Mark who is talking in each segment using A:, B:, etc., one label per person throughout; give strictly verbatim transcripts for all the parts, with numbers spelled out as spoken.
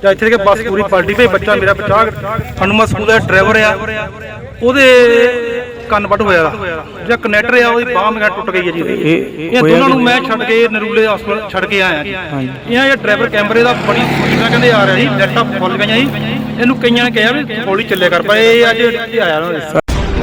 A: ਜਾਂ ਇੱਥੇ ਕਿ ਬੱਸ ਪੂਰੀ ਪਲਟੀ ਪਈ। ਬੱਚਾ ਮੇਰਾ ਬਚਾ ਹਨੂੰਮਾਨ ਸਕੂਲ ਦਾ ਡਰਾਈਵਰ ਆ, ਉਹਦੇ ਕੰਨ ਵੱਢ ਹੋਇਆ ਜਾਂ ਕਨੈਕਟਰ ਆ ਉਹਦੀ ਬਾਂਹ ਮੇਰਾ ਟੁੱਟ ਗਈ ਹੈ ਜੀ। ਇਹ ਦੋਨਾਂ ਨੂੰ ਮੈਂ ਛੱਡ ਕੇ ਨਰੂਲੇ ਹਸਪਤਾਲ ਛੱਡ ਕੇ ਆਇਆ ਜੀ। ਇਹਨਾਂ ਇਹ ਡਰਾਈਵਰ ਕੈਮਰੇ ਦਾ ਬੜੀ ਸਪੀਡਾਂ ਕਹਿੰਦੇ ਆ ਰਿਹਾ ਜੀ, ਲਾਈਟਾਂ ਫੁੱਲ ਗਈਆਂ ਜੀ। ਇਹਨੂੰ ਕਈਆਂ ਨੇ ਕਿਹਾ ਵੀ ਹੌਲੀ ਚੱਲਿਆ ਕਰ, ਪਰ ਇਹ ਅੱਜ ਆਇਆ ਨਾ।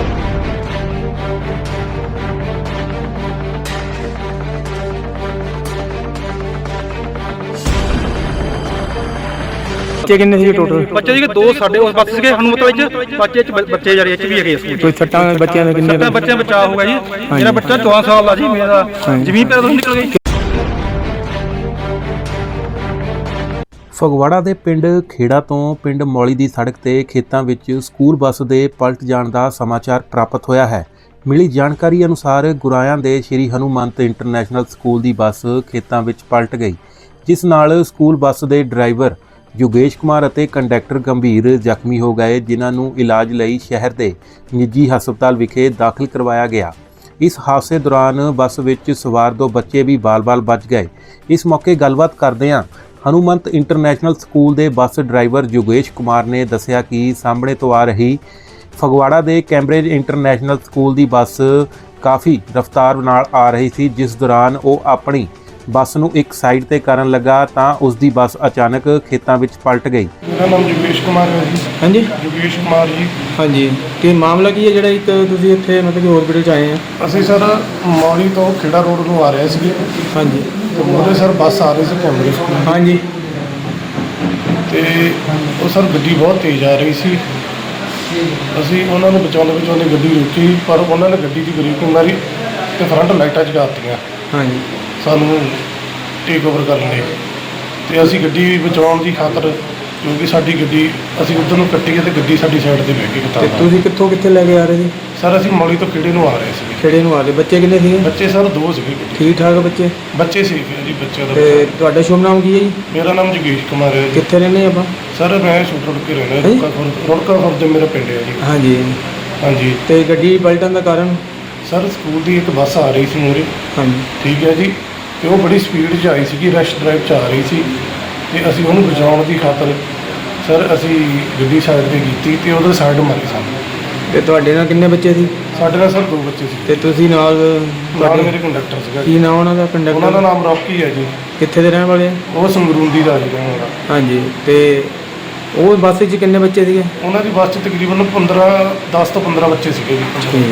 B: ਬੱਚੇ ਕਿੰਨੇ ਸੀਗੇ ਟੋਟਲ?
A: ਬੱਚੇ ਜੀ ਦੋ ਸਾਡੇ ਉਸ ਬੱਸ ਸੀਗੇ ਹਨੂੰਮਤ ਵਿੱਚ, ਬੱਚੇ ਚ ਬੱਚੇ ਜਿਹੜੇ ਚ ਵੀ ਹੈਗੇ ਸਕੂਲ।
B: ਕੋਈ ਸੱਟਾਂ ਬੱਚਿਆਂ ਦੇ ਕਿੰਨੇ?
A: ਸੱਟਾਂ ਬੱਚਿਆਂ ਬਚਾ ਹੋਊਗਾ ਜੀ। ਮੇਰਾ ਬੱਚਾ ਚੌਦਾਂ ਸਾਲ ਦਾ ਜੀ, ਮੇਰਾ ਜ਼ਮੀਨ ਪੈਰ ਤੋਂ ਨਿਕਲ ਗਈ।
C: ਫਗਵਾੜਾ ਦੇ ਪਿੰਡ ਖੇੜਾ ਤੋਂ ਪਿੰਡ ਮੌਲੀ ਦੀ ਸੜਕ ਤੇ ਖੇਤਾਂ ਵਿੱਚ ਸਕੂਲ ਬੱਸ ਦੇ ਪਲਟ ਜਾਣ ਦਾ ਸਮਾਚਾਰ ਪ੍ਰਾਪਤ ਹੋਇਆ ਹੈ। ਮਿਲੀ ਜਾਣਕਾਰੀ ਅਨੁਸਾਰ ਗੁਰਾਇਆਂ ਦੇ ਸ਼੍ਰੀ ਹਨੂੰਮੰਤ ਇੰਟਰਨੈਸ਼ਨਲ ਸਕੂਲ ਦੀ ਬੱਸ ਖੇਤਾਂ ਵਿੱਚ ਪਲਟ ਗਈ, ਜਿਸ ਨਾਲ ਸਕੂਲ ਬੱਸ ਦੇ ਡਰਾਈਵਰ ਯੋਗੇਸ਼ ਕੁਮਾਰ ਅਤੇ ਕੰਡਕਟਰ ਗੰਭੀਰ ਜ਼ਖਮੀ ਹੋ ਗਏ, ਜਿਨ੍ਹਾਂ ਨੂੰ ਇਲਾਜ ਲਈ ਸ਼ਹਿਰ ਦੇ ਨਿੱਜੀ ਹਸਪਤਾਲ ਵਿਖੇ ਦਾਖਲ ਕਰਵਾਇਆ ਗਿਆ। ਇਸ ਹਾਦਸੇ ਦੌਰਾਨ ਬੱਸ ਵਿੱਚ ਸਵਾਰ ਦੋ ਬੱਚੇ ਵੀ ਬਾਲ-ਬਾਲ ਬਚ ਗਏ। ਇਸ ਮੌਕੇ ਗੱਲਬਾਤ ਕਰਦਿਆਂ ਹਨੂੰਮੰਤ ਇੰਟਰਨੈਸ਼ਨਲ ਸਕੂਲ ਦੇ ਬੱਸ ਡਰਾਈਵਰ ਯੋਗੇਸ਼ ਕੁਮਾਰ ਨੇ ਦੱਸਿਆ ਕਿ ਸਾਹਮਣੇ ਤੋਂ ਆ ਰਹੀ ਫਗਵਾੜਾ ਦੇ ਕੈਂਬਰਿਜ ਇੰਟਰਨੈਸ਼ਨਲ ਸਕੂਲ ਦੀ ਬੱਸ ਕਾਫੀ ਰਫ਼ਤਾਰ ਨਾਲ ਆ ਰਹੀ ਸੀ, ਜਿਸ ਦੌਰਾਨ ਉਹ ਆਪਣੀ ਬੱਸ ਨੂੰ ਇੱਕ ਸਾਈਡ ਤੇ ਕਰਨ ਲੱਗਾ ਤਾਂ ਉਸ ਦੀ ਬੱਸ ਅਚਾਨਕ ਖੇਤਾਂ ਵਿੱਚ ਪਲਟ ਗਈ।
D: ਮੇਰਾ ਨਾਮ ਯੋਗੇਸ਼ ਕੁਮਾਰ ਹੈ ਜੀ।
B: ਹਾਂਜੀ
D: ਯੋਗੇਸ਼ ਕੁਮਾਰ ਜੀ।
B: ਹਾਂਜੀ, ਕੀ ਮਾਮਲਾ ਕੀ ਹੈ ਜਿਹੜਾ ਇੱਕ ਤੁਸੀਂ ਇੱਥੇ ਮਤਲਬ ਕਿ ਹਸਪੀਟਲ 'ਚ ਆਏ ਆ?
D: ਅਸੀਂ ਸਰ ਮੌਲੀ ਤੋਂ ਖੇੜਾ ਰੋਡ ਨੂੰ ਆ ਰਹੇ ਸੀਗੇ।
B: ਹਾਂਜੀ,
D: ਤੇ ਉਹਦੇ ਸਰ ਬੱਸ ਆ ਰਹੀ ਸੀ ਕੈਂਬਰਿਜ ਤੋਂ।
B: ਹਾਂਜੀ,
D: ਤੇ ਉਹ ਸਰ ਗੱਡੀ ਬਹੁਤ ਤੇਜ਼ ਆ ਰਹੀ ਸੀ। ਅਸੀਂ ਉਹਨਾਂ ਨੂੰ ਬਚਾਉਂਦੇ ਬਚਾਉਂਦੇ ਗੱਡੀ ਰੋਕੀ, ਪਰ ਉਹਨਾਂ ਨੇ ਗੱਡੀ ਦੀ ਬ੍ਰੇਕ ਮਾਰੀ ਤੇ ਫਰੰਟ ਲਾਈਟਾਂ ਜਗਾ ਦਿੱਤੀਆਂ
B: ਹਾਂਜੀ,
D: ਸਾਨੂੰ ਟੇਕ ਓਵਰ ਕਰਨ ਲਈ। ਤੇ ਅਸੀਂ ਗੱਡੀ ਬਚਾਉਣ ਦੀ ਖਾਤਰ, ਕਿਉਂਕਿ ਸਾਡੀ ਗੱਡੀ ਅਸੀਂ ਉੱਧਰ ਨੂੰ ਕੱਟੀ ਤੇ ਗੱਡੀ ਸਾਡੀ ਸਾਈਡ ਤੇ ਬਹਿ ਗਈ।
B: ਤੇ
D: ਕਿਤਾਬ
B: ਤੁਸੀਂ ਕਿੱਥੋਂ ਕਿੱਥੇ ਲੈ ਕੇ ਆ ਰਹੇ ਸੀ?
D: ਸਰ ਅਸੀਂ ਮੌਲੀ ਤੋਂ ਖੇੜੇ ਨੂੰ ਆ ਰਹੇ ਸੀ।
B: ਖੇੜੇ ਨੂੰ ਆ ਰਹੇ। ਬੱਚੇ ਕਿੰਨੇ ਸੀਗੇ?
D: ਬੱਚੇ ਸਰ ਦੋ ਸੀਗੇ।
B: ਠੀਕ ਠਾਕ ਬੱਚੇ?
D: ਬੱਚੇ ਸੀ ਜੀ, ਬੱਚਿਆਂ ਦਾ।
B: ਤੇ ਤੁਹਾਡਾ ਸ਼ੁਭ ਨਾਮ ਕੀ ਹੈ ਜੀ?
D: ਮੇਰਾ ਨਾਮ ਜੋਗੇਸ਼ ਕੁਮਾਰ ਹੈ ਜੀ।
B: ਕਿੱਥੇ ਰਹਿੰਦੇ ਆਪਾਂ?
D: ਸਰ ਮੈਂ ਛੋਟ ਰੁੜ ਕੇ ਰਹਿੰਦਾ, ਰੁੜਕਾ ਖੁਰਦ ਰੁੜਕਾ ਖੁਰਦ ਮੇਰਾ ਪਿੰਡ ਹੈ ਜੀ।
B: ਹਾਂਜੀ
D: ਹਾਂਜੀ।
B: ਤੇ ਗੱਡੀ ਪਲਟਣ ਦਾ ਕਾਰਨ?
D: ਸਰ ਸਕੂਲ ਦੀ ਇੱਕ ਬੱਸ ਆ ਰਹੀ ਸੀ ਮੂਹਰੇ।
B: ਹਾਂਜੀ,
D: ਠੀਕ ਹੈ ਜੀ। ਤੇ ਉਹ ਬੜੀ ਸਪੀਡ 'ਚ ਆਈ ਸੀਗੀ, ਰਸ਼ ਡਰਾਈਵ 'ਚ ਆ ਰਹੀ ਸੀ। ਤੇ ਅਸੀਂ ਉਹਨੂੰ ਬਚਾਉਣ ਦੀ ਖਾਤਰ ਸਰ ਅਸੀਂ ਗੱਡੀ ਸਾਈਡ 'ਤੇ ਕੀਤੀ ਤੇ ਉਹਦੇ ਸਾਈਡ ਮਾਰੀ ਸਾਨੂੰ।
B: ਤੇ ਤੁਹਾਡੇ ਨਾਲ ਕਿੰਨੇ ਬੱਚੇ ਸੀ?
D: ਸਾਡੇ ਨਾਲ ਸਰ ਦੋ ਬੱਚੇ ਸੀ
B: ਤੇ ਤੁਸੀਂ ਨਾਲ
D: ਨਾਲ ਮੇਰੇ ਕੰਡਕਟਰ ਸੀਗਾ।
B: ਕੀ ਨਾਮ ਉਹਨਾਂ ਦਾ? ਕੰਡਕਟਰ
D: ਉਹਨਾਂ ਦਾ ਨਾਮ ਰੌਕੀ ਹੈ ਜੀ।
B: ਕਿੱਥੇ ਦੇ ਰਹਿਣ ਵਾਲੇ ਆ?
D: ਉਹ ਸੰਗਰੂੰਦੀ ਦਾ ਜੀ ਰਹਿਣ ਵਾਲਾ।
B: ਹਾਂਜੀ, ਤੇ ਉਹ ਬੱਸ ਵਿੱਚ ਕਿੰਨੇ ਬੱਚੇ ਸੀਗੇ?
D: ਉਹਨਾਂ ਦੀ ਬੱਸ 'ਚ ਤਕਰੀਬਨ ਪੰਦਰਾਂ ਦਸ ਤੋਂ ਪੰਦਰਾਂ ਬੱਚੇ ਸੀਗੇ ਜੀ।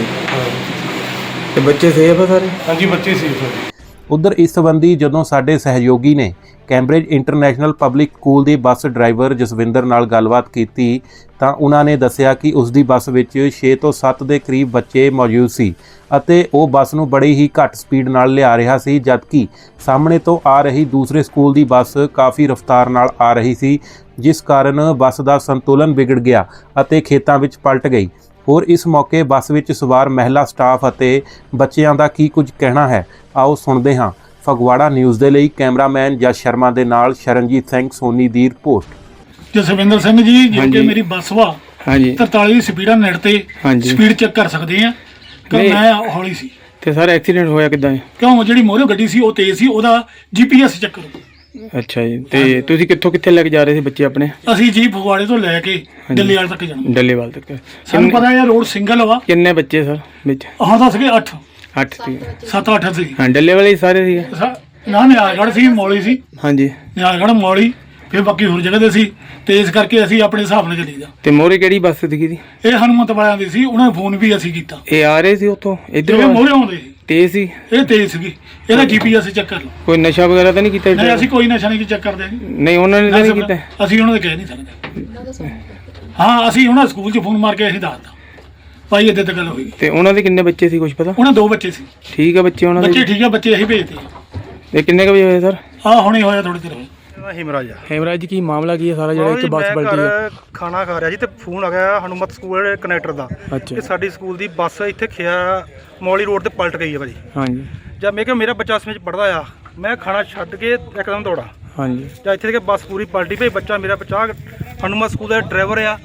B: ਤੇ ਬੱਚੇ ਸੇਫ ਆ ਸਾਰੇ?
D: ਹਾਂਜੀ, ਬੱਚੇ ਸੀ ਸਰ।
C: ਉਧਰ ਇਸ ਸੰਬੰਧੀ ਜਦੋਂ ਸਾਡੇ ਸਹਿਯੋਗੀ ਨੇ ਕੈਂਬਰਿਜ ਇੰਟਰਨੈਸ਼ਨਲ ਪਬਲਿਕ ਸਕੂਲ ਦੇ ਬੱਸ ਡਰਾਈਵਰ ਜਸਵਿੰਦਰ ਨਾਲ ਗੱਲਬਾਤ ਕੀਤੀ ਤਾਂ ਉਹਨਾਂ ਨੇ ਦੱਸਿਆ ਕਿ ਉਸ ਦੀ ਬੱਸ ਵਿੱਚ ਛੇ ਤੋਂ ਸੱਤ ਦੇ ਕਰੀਬ ਬੱਚੇ ਮੌਜੂਦ ਸੀ ਅਤੇ ਉਹ ਬੱਸ ਨੂੰ ਬੜੀ ਹੀ ਘੱਟ ਸਪੀਡ ਨਾਲ ਲਿਆ ਰਿਹਾ ਸੀ, ਜਦਕਿ ਸਾਹਮਣੇ ਤੋਂ ਆ ਰਹੀ ਦੂਸਰੇ ਸਕੂਲ ਦੀ ਬੱਸ ਕਾਫੀ ਰਫ਼ਤਾਰ ਨਾਲ ਆ ਰਹੀ ਸੀ, ਜਿਸ ਕਾਰਨ ਬੱਸ ਦਾ ਸੰਤੁਲਨ ਵਿਗੜ ਗਿਆ ਅਤੇ ਖੇਤਾਂ ਵਿੱਚ ਪਲਟ ਗਈ। ਹੋਰ ਇਸ ਮੌਕੇ ਬੱਸ ਵਿੱਚ ਸਵਾਰ ਮਹਿਲਾ ਸਟਾਫ ਅਤੇ ਬੱਚਿਆਂ ਦਾ ਕੀ ਕੁਝ ਕਹਿਣਾ ਹੈ, ਆਓ ਸੁਣਦੇ ਹਾਂ। ਫਗਵਾੜਾ ਨਿਊਜ਼ ਦੇ ਲਈ ਕੈਮਰਾਮੈਨ ਜਸ ਸ਼ਰਮਾ ਦੇ ਨਾਲ ਸ਼ਰਨਜੀਤ ਸਿੰਘ ਸੋਨੀ ਦੀ ਰਿਪੋਰਟ।
E: ਜਸਵਿੰਦਰ ਸਿੰਘ ਜੀ, ਜਿਵੇਂ ਮੇਰੀ ਬੱਸ ਵਾ
B: ਹਾਂਜੀ
E: ਤਰਤਾਲੀ ਦੀ ਸਪੀਡਾਂ ਨੇੜ ਤੇ ਸਪੀਡ ਚੈੱਕ ਕਰ ਸਕਦੇ ਆ ਕਿ ਮੈਂ ਹੌਲੀ ਸੀ।
B: ਤੇ ਸਰ ਐਕਸੀਡੈਂਟ ਹੋਇਆ ਕਿੱਦਾਂ?
E: ਕਿਉਂ ਜਿਹੜੀ ਮੋਹਰੇ ਗੱਡੀ ਸੀ ਉਹ ਤੇਜ਼ ਸੀ, ਉਹਦਾ ਜੀਪੀਐਸ ਚੈੱਕ ਕਰੋ।
B: ਅੱਛਾ ਜੀ, ਤੇ ਤੁਸੀਂ ਕਿੱਥੋਂ ਕਿੱਥੇ ਲੈ ਕੇ ਜਾ ਰਹੇ ਸੀ ਬੱਚੇ ਆਪਣੇ?
E: ਅਸੀਂ ਜੀ ਫਗਵਾੜੇ ਤੋਂ ਲੈ ਕੇ ਡੱਲੇਵਾਲ ਤੱਕ ਜਾਣਾ।
B: ਡੱਲੇਵਾਲ ਤੱਕ।
E: ਸਾਨੂੰ ਪਤਾ ਇਹ ਰੋਡ ਸਿੰਗਲ ਵਾ।
B: ਕਿੰਨੇ ਬੱਚੇ ਸਰ ਵਿੱਚ?
E: ਆਹ ਤਾਂ ਸੀਗੇ ਅੱਠ
B: ਅੱਠ ਸੀ।
E: ਸੱਤ ਅੱਠ ਸੀ।
B: ਹਾਂ, ਡੱਲੇਵਾਲ ਹੀ ਸਾਰੇ ਸੀਗੇ?
E: ਨਾ ਨਿਆਲਗੜ੍ਹ ਸੀ, ਮੌਲੀ ਸੀ।
B: ਹਾਂਜੀ,
E: ਨਿਆਲਗੜ੍ਹ ਮੌਲੀ, ਫਿਰ ਬਾਕੀ ਹੋਰ ਜਗ੍ਹਾ ਦੇ ਸੀ। ਤੇ ਇਸ ਕਰਕੇ ਅਸੀਂ ਆਪਣੇ ਹਿਸਾਬ ਨਾਲ ਚੱਲੀ ਦਾ।
B: ਤੇ ਮੋਹਰੇ ਕਿਹੜੀ ਬੱਸ ਸੀਗੀ ਦੀ?
E: ਇਹ ਹਨੂੰਮੰਤ ਵਾਲਿਆਂ ਦੀ ਸੀ, ਉਹਨਾਂ ਨੇ ਫੋਨ ਵੀ ਅਸੀਂ ਕੀਤਾ।
B: ਇਹ ਆ ਰਹੇ ਸੀ ਉੱਥੋਂ ਇੱਧਰ?
E: ਇਹ ਮੋਹਰੇ ਆਉਂਦੇ ਸੀ।
B: ਤੇਜ਼ ਸੀ?
E: ਇਹ ਤੇਜ਼ ਸੀਗੀ, ਇਹਦਾ ਜੀਪੀਐਸ ਚੈੱਕ ਕਰ ਲਓ।
B: ਕੋਈ ਨਸ਼ਾ ਵਗੈਰਾ ਤਾਂ ਨਹੀਂ ਕੀਤਾ?
E: ਨਹੀਂ, ਅਸੀਂ ਕੋਈ ਨਸ਼ਾ ਨਹੀਂ ਚੈੱਕ ਕਰਦੇ।
B: ਨਹੀਂ, ਉਹਨਾਂ ਨੇ ਤਾਂ ਨਹੀਂ ਕੀਤਾ?
E: ਅਸੀਂ ਉਹਨਾਂ ਦੇ ਕਹਿ ਨਹੀਂ ਸਕਦੇ। ਹਾਂ, ਅਸੀਂ ਉਹਨਾਂ ਸਕੂਲ 'ਚ ਫੋਨ ਮਾਰ ਕੇ ਅਸੀਂ ਦੱਸਦਾ ਭਾਈ ਇੱਦਾਂ ਤਾਂ ਗੱਲ ਹੋਈ।
B: ਤੇ ਉਹਨਾਂ ਦੇ ਕਿੰਨੇ ਬੱਚੇ ਸੀ ਕੁਝ ਪਤਾ?
E: ਉਹਨਾਂ ਦੋ ਬੱਚੇ ਸੀ।
B: ਠੀਕ ਆ ਬੱਚੇ ਉਹਨਾਂ ਦੇ?
E: ਬੱਚੇ ਠੀਕ ਆ, ਬੱਚੇ ਅਸੀਂ ਭੇਜਦੇ ਆ।
B: ਇਹ ਕਿੰਨੇ ਕੁ ਵਜੇ ਹੋਏ ਸਰ?
E: ਆਹ ਹੁਣੇ ਹੋਇਆ ਥੋੜੀ ਦੇਰ ਹੋਈ।
A: ਹਿਮਰਾਜ ਆ।
B: ਹੈਮਰਾਜ ਜੀ, ਕੀ ਮਾਮਲਾ ਕੀ ਹੈ ਸਾਰਾ ਜਿਹੜਾ ਇੱਕ ਬੱਸ ਪਲਟੀ ਹੈ?
A: ਖਾਣਾ ਖਾ ਰਿਹਾ ਜੀ ਤੇ ਫੋਨ ਆ ਗਿਆ ਹਨੂੰਮਤ ਸਕੂਲ ਕਨੈਕਟਰ ਦਾ
B: ਅੱਛਾ।
A: ਕਿ ਸਾਡੀ ਸਕੂਲ ਦੀ ਬੱਸ ਇੱਥੇ ਖਿਆ ਮੌਲੀ ਰੋਡ ਤੇ ਪਲਟ ਗਈ ਹੈ ਭਾਜੀ।
B: ਹਾਂਜੀ।
A: ਜਦ ਮੈਂ ਕਿਹਾ ਮੇਰਾ ਬੱਚਾ ਇਸ ਵਿੱਚ ਪੜਦਾ ਆ, ਮੈਂ ਖਾਣਾ ਛੱਡ ਕੇ ਇੱਕਦਮ ਦੌੜਾ।
B: ਹਾਂਜੀ।
A: ਜਾਂ ਇੱਥੇ ਕਿ ਬੱਸ ਪੂਰੀ ਪਲਟੀ ਪਈ। ਬੱਚਾ ਮੇਰਾ ਬਚਾ ਹਨੂੰਮਤ ਸਕੂਲ ਦਾ ਡਰਾਈਵਰ ਆ,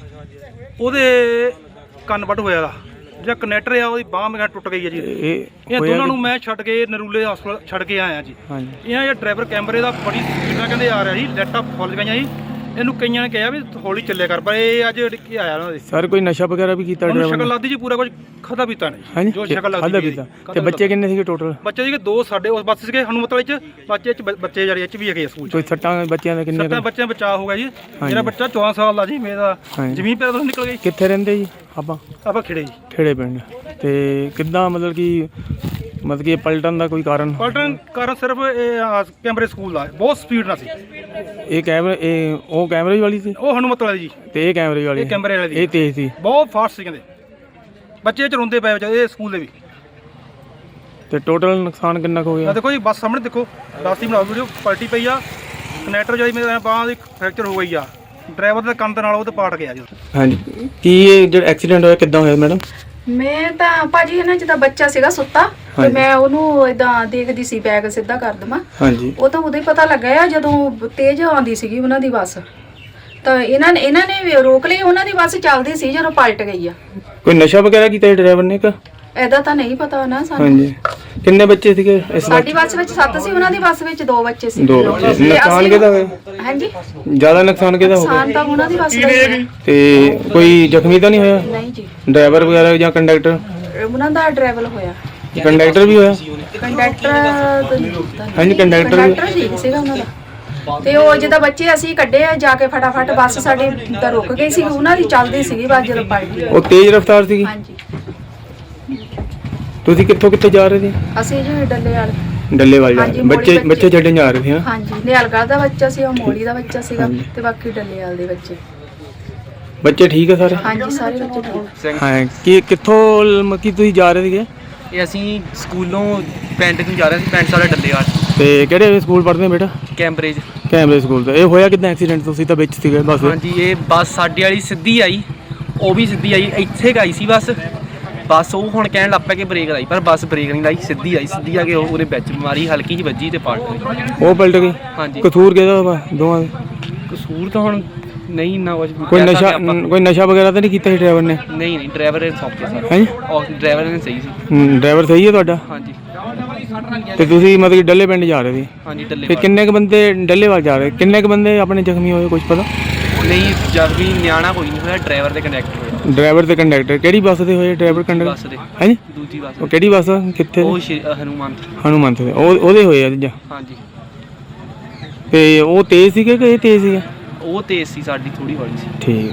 A: ਉਹਦੇ ਕੰਨ ਵੱਢ ਹੋਇਆ ਜਾਂ ਕਨੈਕਟਰ ਆ ਉਹਦੀ ਬਾਂਹ ਮੇਰਾ ਟੁੱਟ ਗਈ ਹੈ ਜੀ। ਇਹ ਦੋਨਾਂ ਨੂੰ ਮੈਂ ਛੱਡ ਕੇ ਨਰੂਲੇ ਹਸਪਤਾਲ ਛੱਡ ਕੇ ਆਇਆ ਜੀ। ਇਹਨਾਂ ਇਹ ਡਰਾਈਵਰ ਕੈਮਰੇ ਦਾ ਬੜੀ ਸਪੀਡਾਂ ਕਹਿੰਦੇ ਆ ਰਿਹਾ ਜੀ, ਲਾਈਟਾਂ ਫੁੱਲ ਗਈਆਂ ਜੀ। ਇਹਨੂੰ ਕਈਆਂ ਨੇ ਕਿਹਾ ਵੀ ਹੌਲੀ ਚੱਲਿਆ ਕਰ, ਪਰ ਇਹ ਅੱਜ ਕੀ ਆਇਆ ਉਹਨਾਂ ਦੇ
B: ਸਰ ਕੋਈ ਨਸ਼ਾ ਵਗੈਰਾ ਵੀ ਕੀਤਾ
A: ਉਹਨੂੰ
B: ਡਰਾਈਵਰ
A: ਸ਼ਕਲ
B: ਨੇ?
A: ਲੱਗਦੀ ਜੀ ਪੂਰਾ ਕੁਝ ਖਾਧਾ ਪੀਤਾ ਨਹੀਂ
B: ਹਾਂਜੀ
A: ਜੋ ਸ਼ਕਲ
B: ਖਾਧਾ
A: ਲੱਗਦੀ
B: ਪੀਤਾ। ਤੇ ਬੱਚੇ ਕਿੰਨੇ ਸੀਗੇ ਟੋਟਲ?
A: ਬੱਚੇ ਸੀਗੇ ਦੋ ਸਾਡੇ ਉਸ ਬੱਸ ਸੀਗੇ ਹਨੂਮਤ ਵਾਲੇ ਚ, ਬੱਚੇ ਚ ਬੱਚੇ ਜਿਹੜੇ ਇਹ ਚ ਵੀ ਹੈਗੇ ਆ ਸਕੂਲ ਚ।
B: ਕੋਈ ਸੱਟਾਂ ਬੱਚਿਆਂ ਦੇ ਕਿੰਨੇ
A: ਸੱਤਾਂ
B: ਕੁ?
A: ਬੱਚਿਆਂ ਬਚਾ ਹੋ ਗਿਆ ਜੀ। ਮੇਰਾ ਬੱਚਾ ਚੌਦਾਂ ਸਾਲ ਦਾ ਜੀ, ਮੇਰਾ
B: ਹਾਂਜੀ।
A: ਜ਼ਮੀਨ ਪੈਰ ਤੋਂ ਨਿਕਲ ਗਈ।
B: ਕਿੱਥੇ ਰਹਿੰਦੇ ਜੀ ਆਪਾਂ?
A: ਆਪਾਂ ਖਿੜੇ ਜੀ।
B: ਖੇੜੇ ਪਿੰਡ। ਤੇ ਕਿੱਦਾਂ ਮਤਲਬ ਕਿ ਮਤਲਬ ਕਿ ਇਹ ਪਲਟਣ ਦਾ ਕੋਈ ਕਾਰਨ?
A: ਪਲਟਨ ਕਾਰਨ ਸਿਰਫ ਇਹ ਆਹ ਕੈਮਰੇ ਸਕੂਲ ਦਾ ਬਹੁਤ ਸਪੀਡ ਨਾਲ ਸੀ।
B: ਇਹ ਕੈਮਰੇ ਇਹ ਉਹ ਕੈਮਰੇ ਵਾਲੀ ਸੀ
A: ਉਹ ਹਨੂਮਤ ਵਾਲੀ ਜੀ,
B: ਤੇ ਇਹ ਕੈਮਰੇ ਵਾਲੀ?
A: ਇਹ ਕੈਮਰੇ ਵਾਲੀ ਦੀ।
B: ਇਹ ਤੇਜ਼ ਸੀ?
A: ਬਹੁਤ ਫਾਸਟ ਸੀ ਕਹਿੰਦੇ, ਬੱਚੇ ਚਲਾਉਂਦੇ ਪਏ ਵਿਚਾਰੇ ਇਹ ਸਕੂਲ ਦੇ ਵੀ।
B: ਤੇ ਟੋਟਲ ਨੁਕਸਾਨ ਕਿੰਨਾ ਕੁ ਹੋ
A: ਆ
B: ਗਿਆ?
A: ਦੇਖੋ ਜੀ ਬੱਸ ਸਾਹਮਣੇ ਦੇਖੋ, ਰਾਸਤੀ ਬਣਾਓ ਵੀਡੀਓ, ਪਲਟੀ ਪਈ ਆ। ਕਨੈਕਟਰ ਜਿਹੜੀ ਮੇਰੇ ਬਾਂਹ ਦੀ ਫ੍ਰੈਕਚਰ ਹੋ ਗਈ ਆ, ਡਰਾਈਵਰ ਦੇ ਕੰਨ ਦੇ ਨਾਲ ਉਹ ਤੇ ਪਾਟ ਗਿਆ ਜੀ।
B: ਹਾਂਜੀ ਕੀ ਇਹ ਜਿਹੜਾ ਐਕਸੀਡੈਂਟ ਹੋਇਆ ਕਿੱਦਾਂ ਹੋਇਆ ਮੈਡਮ?
F: ਮੈਂ ਤਾਂ ਭਾਜੀ ਨਾ ਜਿੱਦਾਂ ਬੱਚਾ ਸੀਗਾ ਸੁੱਤਾ ਤੇ
B: ਹਾਂਜੀ।
F: ਮੈਂ ਉਹਨੂੰ ਇਦਾਂ ਦੇਖਦੀ ਸੀ ਬੈਗ ਸਿੱਧਾ ਕਰ ਦਵਾਂ।
B: ਹਾਂਜੀ
F: ਉਹ ਤਾਂ ਉਦੋਂ ਹੀ ਪਤਾ ਲੱਗਾ ਆ ਜਦੋਂ ਤੇਜ਼ ਆਉਂਦੀ ਸੀਗੀ ਉਹਨਾਂ ਦੀ ਬੱਸ, ਤਾਂ ਇਹਨਾਂ ਨੇ ਇਹਨਾਂ ਨੇ ਵੀ ਰੋਕ ਲਈ। ਉਹਨਾਂ ਦੀ ਬੱਸ ਚੱਲਦੀ ਸੀ ਜਦੋਂ ਪਲਟ ਗਈ ਆ।
B: ਕੋਈ ਨਸ਼ਾ ਵਗੈਰਾ ਕੀਤਾ ਡਰਾਈਵਰ ਨੇ ਕਿ?
F: ਐਦਾ ਤਾਂ ਨਹੀਂ ਪਤਾ ਨਾ ਸਾਨੂੰ।
B: ਹਾਂਜੀ ਕਿੰਨੇ ਬੱਚੇ ਸੀਗੇ ਇਸ
F: ਸਾਡੀ ਬੱਸ ਵਿੱਚ ਸੱਤ ਸੀ, ਉਹਨਾਂ ਦੀ ਬੱਸ ਵਿੱਚ ਦੋ ਬੱਚੇ ਸੀ।
B: ਦੋ ਬੱਚੇ।
F: ਤੇ
B: ਨੁਕਸਾਨ
F: ਅਸੀਂ-
B: ਕਿਹਦਾ ਹੋਇਆ?
F: ਹਾਂਜੀ
B: ਜ਼ਿਆਦਾ ਨੁਕਸਾਨ ਕਿਹਦਾ ਹੋ ਗਿਆ?
F: ਨੁਕਸਾਨ ਤਾਂ ਉਹਨਾਂ ਦੀ ਬੱਸ ਦਾ ਹੀ ਹੋਇਆ।
B: ਤੇ ਕੋਈ ਜ਼ਖਮੀ ਤਾਂ ਨਹੀਂ ਹੋਇਆ?
F: ਨਹੀਂ ਜੀ,
B: ਡਰਾਈਵਰ ਵਗੈਰਾ ਜਾਂ ਕੰਡਕਟਰ?
F: ਉਹਨਾਂ ਦਾ ਡਰਾਈਵਰ ਹੋਇਆ।
B: ਕੰਡਕਟਰ ਵੀ ਹੋਇਆ?
F: ਕੰਡਕਟਰ
B: ਹਾਂਜੀ, ਕੰਡਕਟਰ ਵੀ-
F: ਕੰਡਕਟਰ ਠੀਕ ਸੀਗਾ ਉਹਨਾਂ ਦਾ। ਤੇ ਉਹ ਜਿੱਦਾਂ ਬੱਚੇ ਅਸੀਂ ਕੱਢੇ ਆ ਜਾ ਕੇ ਫਟਾਫਟ, ਬੱਸ ਸਾਡੀ ਤਾਂ ਰੁਕ ਗਈ ਸੀ, ਉਹਨਾਂ ਦੀ ਚੱਲਦੀ ਸੀਗੀ ਬੱਸ ਜਦੋਂ ਪਲਟੀ।
B: ਉਹ ਤੇਜ਼ ਰਫ਼ਤਾਰ ਸੀਗੀ?
F: ਹਾਂਜੀ
B: ਤੁਸੀਂ ਕਿੱਥੋਂ ਕਿੱਥੇ ਜਾ ਰਹੇ ਸੀ?
F: ਅਸੀਂ ਜੀ ਡੱਲੇ ਵਾਲ।
B: ਡੱਲੇਵਾਲ ਜਾ
F: ਹਾਂਜੀ,
B: ਰਹੇ?
F: ਮੋੜੀ
B: ਬੱਚੇ
F: ਬੱਚੇ।
B: ਬੱਚੇ ਛੱਡਣ ਜਾ ਰਹੇ ਸੀ? ਹਾਂ
F: ਹਾਂਜੀ ਨਿਹਾਲਗੜ੍ਹ ਦਾ ਬੱਚਾ ਸੀ, ਉਹ ਮੋਲੀ ਦਾ ਬੱਚਾ ਸੀਗਾ, ਤੇ ਬਾਕੀ ਡੱਲੇ ਵਾਲ ਦੇ ਬੱਚੇ।
B: ਬੱਚੇ ਠੀਕ ਹੈ ਸਾਰੇ?
F: ਹਾਂਜੀ ਸਾਰੇ ਬੱਚੇ ਠੀਕ।
B: ਹਾਂ ਕੀ ਕਿੱਥੋਂ ਮ- ਕੀ ਤੁਸੀਂ ਜਾ ਰਹੇ ਸੀਗੇ?
G: ਇਹ ਅਸੀਂ ਸਕੂਲੋਂ ਪਿੰਡ ਨੂੰ ਜਾ ਰਹੇ ਸੀ, ਪਿੰਡ ਸਾਡਾ ਡੱਲੇਵਾਲ
B: ਤੇ ਕਿਹੜੇ ਸਕੂਲ ਪੜ੍ਹਦੇ ਹੋ ਬੇਟਾ?
G: ਕੈਂਬਰੇਜ।
B: ਕੈਮਰੇ ਸਕੂਲ ਦਾ। ਇਹ ਹੋਇਆ ਕਿੱਦਾਂ ਐਕਸੀਡੈਂਟ? ਤੁਸੀਂ ਤਾਂ ਵਿੱਚ ਸੀਗੇ ਬਸ।
G: ਹਾਂਜੀ ਇਹ ਬੱਸ ਸਾਡੇ ਵਾਲੀ ਸਿੱਧੀ ਆਈ, ਉਹ ਵੀ ਸਿੱਧੀ ਆਈ, ਇੱਥੇ ਗਈ ਸੀ ਬੱਸ। ਬੱਸ ਉਹ ਹੁਣ ਕਹਿਣ ਲੱਗ ਪਿਆ ਕਿ ਬ੍ਰੇਕ ਲਾਈ, ਪਰ ਬੱਸ ਬ੍ਰੇਕ ਨਹੀਂ ਲਾਈ, ਸਿੱਧੀ ਆਈ, ਸਿੱਧੀ ਆ ਕੇ ਉਹ ਉਹਦੇ ਵਿੱਚ ਮਾਰੀ, ਹਲਕੀ ਜਿਹੀ ਵੱਜੀ ਤੇ ਪਲਟ ਗਈ।
B: ਉਹ ਪਲਟ ਗਈ?
G: ਹਾਂਜੀ
B: ਕਸੂਰ ਕਿਹਦਾ ਵਾ ਦੋਵਾਂ ਦਾ?
G: ਕਸੂਰ ਤਾਂ ਹੁਣ ਨਹੀਂ ਇੰਨਾ ਕੁਛ
B: ਕੋਈ
G: ਕਹਿ ਸਕਦੇ
B: ਨਸ਼ਾ
G: ਆਪਾਂ।
B: ਕੋਈ ਨਸ਼ਾ ਵਗੈਰਾ ਤਾਂ ਨਹੀਂ ਕੀਤਾ ਸੀ ਡਰਾਈਵਰ ਨੇ?
G: ਨਹੀਂ ਨਹੀਂ ਡਰਾਈਵਰ ਨੇ ਸੌਕੇ ਸਰ,
B: ਹੈਂ?
G: ਉਹ ਡਰਾਈਵਰ ਨੇ ਸਹੀ ਸੀ।
B: ਹੂੰ, ਡਰਾਈਵਰ ਸਹੀ ਹੈ ਤੁਹਾਡਾ?
G: ਹਾਂਜੀ
B: ਤੇ ਤੁਸੀਂ ਮਤਲਬ ਕਿ ਡੱਲੇ ਪਿੰਡ ਜਾ ਰਹੇ ਸੀ?
G: ਹਾਂਜੀ
B: ਤੇ
G: ਡੱਲੇਵਾਲ।
B: ਕਿੰਨੇ ਕ ਬੰਦੇ ਡੱਲੇਵਾਲ ਜਾ ਰਹੇ? ਕਿੰਨੇ ਕ ਬੰਦੇ ਆਪਣੇ ਜ਼ਖਮੀ ਹੋਏ ਕੁਝ ਪਤਾ?
G: ਨਹੀਂ ਜਦ ਵੀ ਨਿਆਣਾ ਕੋਈ ਨਹੀਂ ਹੋਇਆ, ਡਰਾਈਵਰ ਤੇ ਕੰਡਕਟਰ ਹੋਇਆ।
B: ਡਰਾਈਵਰ ਤੇ ਕੰਡਕਟਰ ਕਿਹੜੀ ਬੱਸ ਦੇ ਹੋਏ? ਡਰਾਈਵਰ
G: ਬੱਸ
B: ਕੰਡਕਟਰ
G: ਦੇ
B: ਹੈ ਜੀ?
G: ਦੂਜੀ ਬੱਸ
B: ਉਹ ਕਿਹੜੀ ਬੱਸ ਆ? ਕਿੱਥੇ?
G: ਉਹ ਸ਼੍ਰੀ- ਅ, ਹਨੂੰਮਾਨ।
B: ਹਨੂੰਮੰਤ ਦੇ। ਉਹ ਉਹਦੇ ਹੋਏ ਆ ਜੀ?
G: ਹਾਂਜੀ
B: ਤੇ ਉਹ ਤੇਜ਼ ਸੀਗੇ ਕਿ ਇਹ ਤੇਜ਼ ਸੀਗਾ?
G: ਉਹ ਤੇਜ਼ ਸੀ, ਸਾਡੀ ਥੋੜੀ ਹੌਲੀ ਸੀ।
B: ਠੀਕ।